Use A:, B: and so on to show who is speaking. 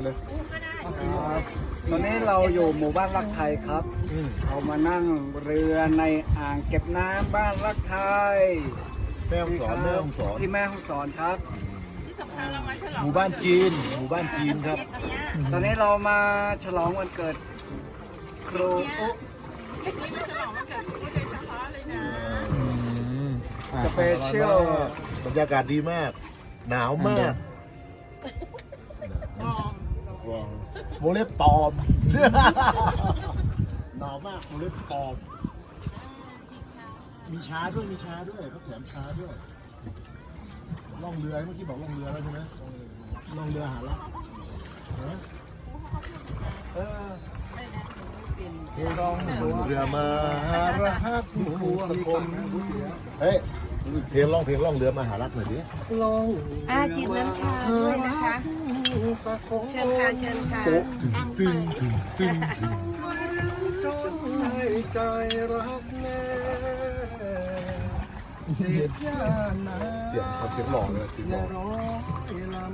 A: เลย
B: ครับตอนนี้เราอยู่หมู่บ้านรักไทยครับ เรามานั่งเรือในอ่างเก็บน้ำบ้านรักไทย
A: แม่ฮ่องสอนแม่ฮ่องสอน
B: ที่แม่ฮ่องสอนครับ
C: ที่สำคัญเรามาฉลอง
A: หมู่บ้านจีนหมู่บ้านจีนครับ
C: เนี้ย
B: ตอนนี้เรามาฉลองวันเกิดครูอุ๊
C: นี่มาฉลองวันเกิดคุณโดยเฉพาะเลยนะ
B: สเปเชียล
A: บรรยากาศดีมาก หนาวมาก
C: มอง
A: วงเล็บปลอม หนาวมากวงเล็บปลอม มีช้าด้วยมีช้าด้วยเขาแถมช้าด้วยล่องเรือเมื่อกี้บอกล่องเรือแล้วใช่ไหมล่องเรือหาลักล่องเรือมาหารักผู้สกลเฮ้ยเพลงร้องเพลงล่องเรือมาหารักหน่อยดิ
C: จิบน้ำชาด้วยนะคะ เชิญค่ะเชิญค่ะ
A: ตึงตึงตึงตึง
B: จนให้ใจรักแม่จิตยานา
A: เสียงเขาเสียงหล่อเลยเสียงหล่อ
B: ร้อยลำ